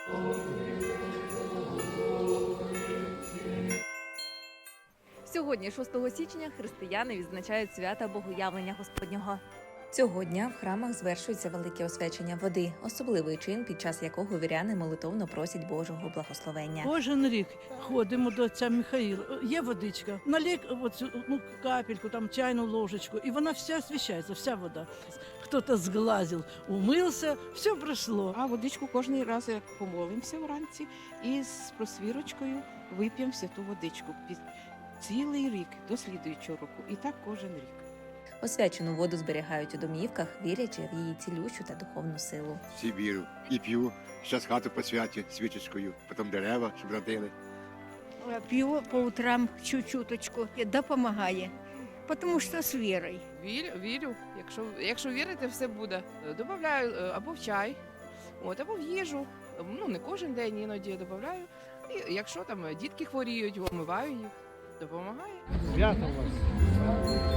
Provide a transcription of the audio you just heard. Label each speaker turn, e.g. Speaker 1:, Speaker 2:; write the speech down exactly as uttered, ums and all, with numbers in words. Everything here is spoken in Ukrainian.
Speaker 1: Сьогодні, шостого січня, християни відзначають свята Богоявлення Господнього. Цього дня в храмах звершується велике освячення води, особливий чин, під час якого віряни молитовно просять Божого благословення.
Speaker 2: Кожен рік ходимо до отця Михаїла. Є водичка, налік оцю, ну, капельку, там чайну ложечку, і вона вся освящається, вся вода. Хто-то зглазив, умився, все пройшло.
Speaker 3: А водичку кожен раз як помолимося вранці і з просвірочкою вип'ємо святу водичку під цілий рік до слідуючого року. І так кожен рік.
Speaker 1: Освячену воду зберігають у домівках, вірячи в її цілющу та духовну силу.
Speaker 4: Всі вірю і п'ю. Зараз хату посвячу свічечкою, потім дерева, щоб родили.
Speaker 5: Пью по утрам чуть-чуточку, допомагає, тому що з вірою.
Speaker 6: Вірю, вірю. Якщо, якщо вірити, все буде. Добавляю е, або в чай, от, або в їжу. Ну, не кожен день, іноді додаю. І якщо там дітки хворіють, омиваю їх, допомагає.
Speaker 7: Свято у вас.